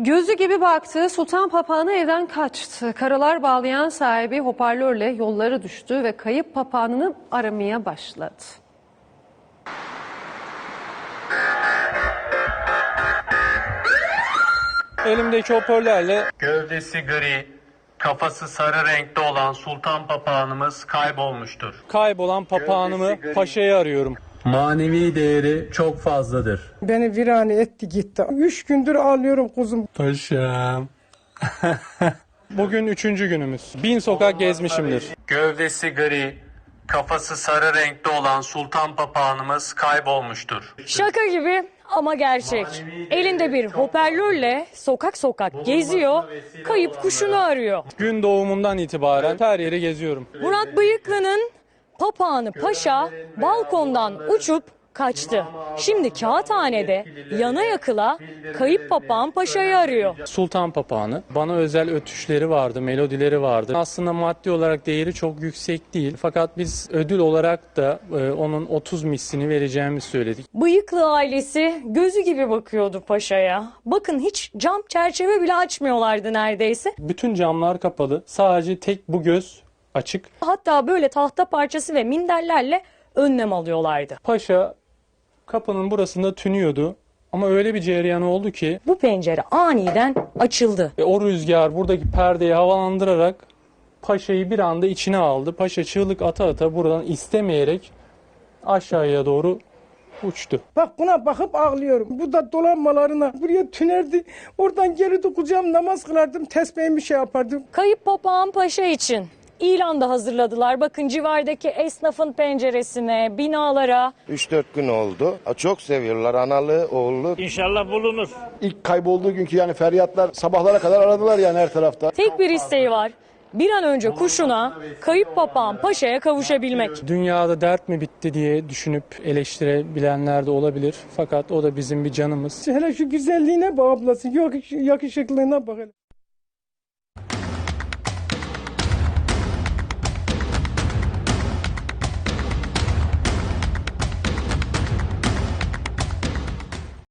Gözü gibi baktığı sultan papağanı evden kaçtı. Karalar bağlayan sahibi hoparlörle yollara düştü ve kayıp papağanını aramaya başladı. Elimdeki hoparlörle Gövdesi gri, kafası sarı renkte olan sultan papağanımız kaybolmuştur. kaybolan papağanımı Paşa'yı arıyorum. Manevi değeri çok fazladır. Beni virane etti gitti. 3 gündür ağlıyorum kuzum. Paşam. Bugün 3. günümüz. 1000 sokak gezmişimdir. Gövdesi gri, kafası sarı renkte olan sultan papağanımız kaybolmuştur. Şaka gibi ama gerçek. Elinde bir hoparlörle sokak sokak geziyor, kayıp kuşunu arıyor. Gün doğumundan itibaren her yeri geziyorum. Murat Bıyıklı'nın papağanı Paşa balkondan uçup kaçtı. Şimdi Kağıthane'de yana yakıla kayıp papağan Paşa'yı arıyor. Sultan papağanı. Bana özel ötüşleri vardı, melodileri vardı. Aslında maddi olarak değeri çok yüksek değil. Fakat biz ödül olarak da onun 30 mislini vereceğimizi söyledik. Bıyıklı ailesi gözü gibi bakıyordu Paşa'ya. Bakın hiç cam çerçeve bile açmıyorlardı neredeyse. Bütün camlar kapalı. Sadece tek bu göz açık. Hatta böyle tahta parçası ve minderlerle önlem alıyorlardı. Paşa kapının burasında tünüyordu. Ama öyle bir cereyan oldu ki Bu pencere aniden açıldı. o rüzgar buradaki perdeyi havalandırarak Paşa'yı bir anda içine aldı. Paşa çığlık ata ata buradan istemeyerek aşağıya doğru uçtu. Bak buna bakıp ağlıyorum. Bu da dolanmalarına buraya tünerdi. Oradan gelirdi kucağım namaz kılardım. Tesbihimi şey yapardım. Kayıp papağan Paşa için ilan da hazırladılar. Bakın civardaki esnafın penceresine, binalara. 3-4 gün oldu. Çok seviyorlar analı, oğullu. İnşallah bulunur. İlk kaybolduğu günkü yani feryatlar sabahlara kadar aradılar yani her tarafta. Tek bir isteği var. Bir an önce kuşuna, kayıp papağan Paşa'ya kavuşabilmek. Dünyada dert mi bitti diye düşünüp eleştirebilenler de olabilir. Fakat o da bizim bir canımız. Hele şu güzelliğine bak ablası. Yok yakışıklığına bak hele.